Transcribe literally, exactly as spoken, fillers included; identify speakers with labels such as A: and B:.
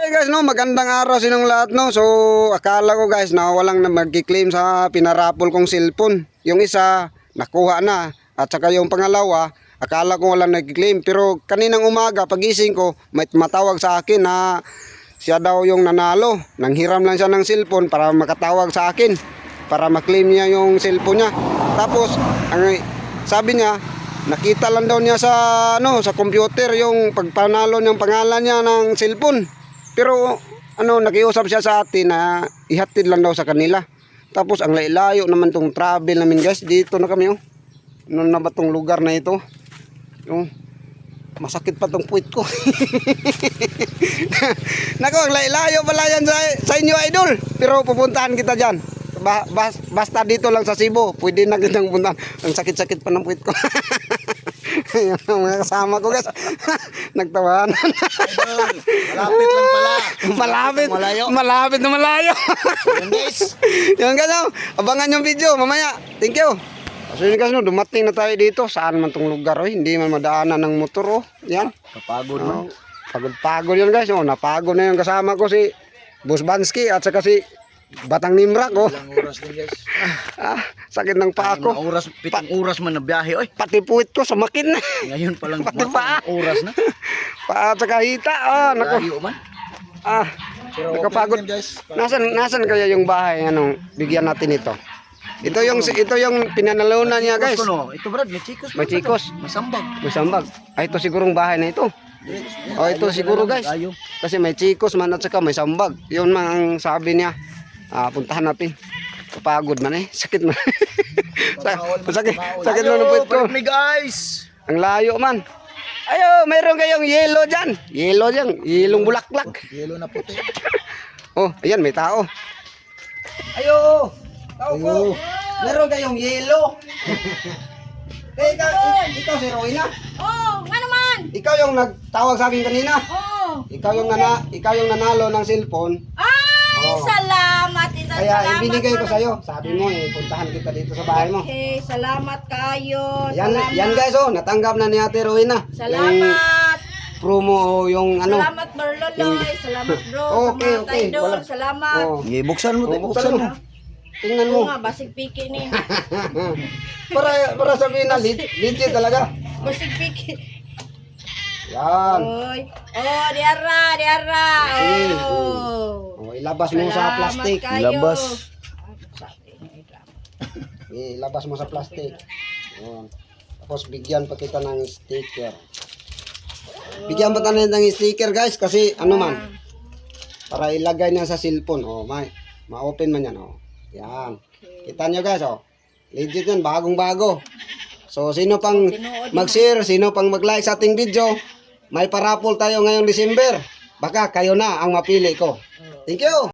A: Hi guys, no, magandang araw sa inyong lahat, no. So, akala ko guys na walang na magki-claim sa pinarapol kong cellphone. Yung isa nakuha na at saka yung pangalawa, akala ko walang nagki-claim. Pero kaninang umaga pagising ko, may matawag sa akin na siya daw yung nanalo. Nanghiram lang siya ng cellphone para makatawag sa akin para ma-claim niya yung cellphone niya. Tapos, ang sabi niya, nakita lang daw niya sa ano, sa computer yung pagpanalo niyang pangalan niya ng cellphone. Pero ano, nakiusap siya sa atin na ihatid lang daw sa kanila. Tapos ang layo naman tong travel namin guys. Dito na kami oh. Ano na ba tong lugar na ito? Yung masakit pa tong puwit ko. Nako, ang layo pala yan sa, sa inyo idol. Pero pupuntahan kita dyan. Ba, bas, basta dito lang sa Cebu, pwede na kitang puntahan. Ang sakit-sakit pa ng puwit ko. Ayan ang mga kasama ko guys. Nagtawanan.
B: Idol, malapit lang pala.
A: Malapit.
B: Malayo.
A: Malapit na malayo.
B: Yan guys.
A: Yan guys, oh. Abangan yung video mamaya. Thank you. So yun guys, no, dumating na tayo dito. Saan man tong lugar, oh. Hindi man madaanan ng motor, oh. Yan.
B: Kapagod
A: Oh,
B: man.
A: pagod-pagod yan guys, oh. Napagod na yung kasama ko si Boss Bansky at saka si Batang Nimrak, oh.
B: Ilang oras din guys.
A: Ah, sakit ng paa ko.
B: Mga oras, pitong oras man na biyahe. Oy,
A: Pati puwit ko sumakit na.
B: ngayon pa lang
A: Pati
B: mga
A: paa.
B: oras na.
A: Paa at saka hita. Ah, nako.
B: Layo man.
A: Ah,
B: Pero
A: nakapagod.
B: okay lang yan, guys.
A: Nasaan nasaan kaya yung bahay anong bigyan natin ito? Ito yung ito yung pinanalunan niya guys.
B: Ito, no? Ito brad, may chikos.
A: May chikos.
B: May sambag.
A: May sambag. Ay ito sigurong bahay na ito. Oh, ito siguro guys.
B: Layo.
A: Kasi may chikos man at saka may sambag. Yun man ang sabi niya. Ah, puntahan natin. Kapagod man eh. Sakit man. sakit. Sakit man ang puwit ko.
B: Ayo, me guys.
A: Ang layo man. Ayo, mayroon kayong yellow dyan. Yellow dyan. Yelong bulaklak.
B: Yelo na puti.
A: Oh, ayan, may tao. Ayo. Tao ko.
B: Ayo.
A: Meron kayong yellow. Eh, ikaw, ik- ikaw si Roina.
C: Oh, nga naman.
A: Ikaw yung nagtawag sa akin kanina.
C: Oh.
A: Ikaw yung nana, ikaw yung nanalo ng cellphone.
C: Ay,
A: Oh.
C: salamat. Ito,
A: Kaya
C: salamat.
A: ibinigay ko
C: Lord.
A: sa iyo. Sabi mo eh, puntahan kita dito sa bahay mo.
C: Okay, salamat kayo.
A: Yan,
C: salamat.
A: yan guys oh, natanggap na ni Ate Roina. Yung
C: Salamat.
A: promo o yung ano.
C: Salamat, Marloloy. Salamat, bro.
A: Okay,
C: Salamat,
A: okay.
C: idol.
A: Wala.
C: Salamat.
A: Oh.
B: Sige, buksan mo,
A: Oh,
B: te,
A: buksan
B: buksan
A: mo.
B: mo.
A: Tingnan
C: Oo
A: mo.
C: nga, basig piki ni.
A: para para sabihin na leg- legit talaga.
C: Basig piki.
A: Yan.
C: Oy. Oh, diara, diara.
A: Sige.
C: Oh.
A: Oh, ilabas mo sa
C: Salamat
A: plastic.
C: kayo.
B: Ilabas.
A: Ilabas mo sa plastic. Ayan. Tapos bigyan pa kita ng sticker. Bigyan pa tayo ng sticker guys kasi ano man. Para ilagay niya sa cellphone. Oh, may ma-open man yan oh. Yan. Kita nyo guys oh. Legit yan, bagong bago. So sino pang mag-share, sino pang mag-like sa ating video, may parapol tayo ngayong December. Baka kayo na ang mapili ko. Thank you.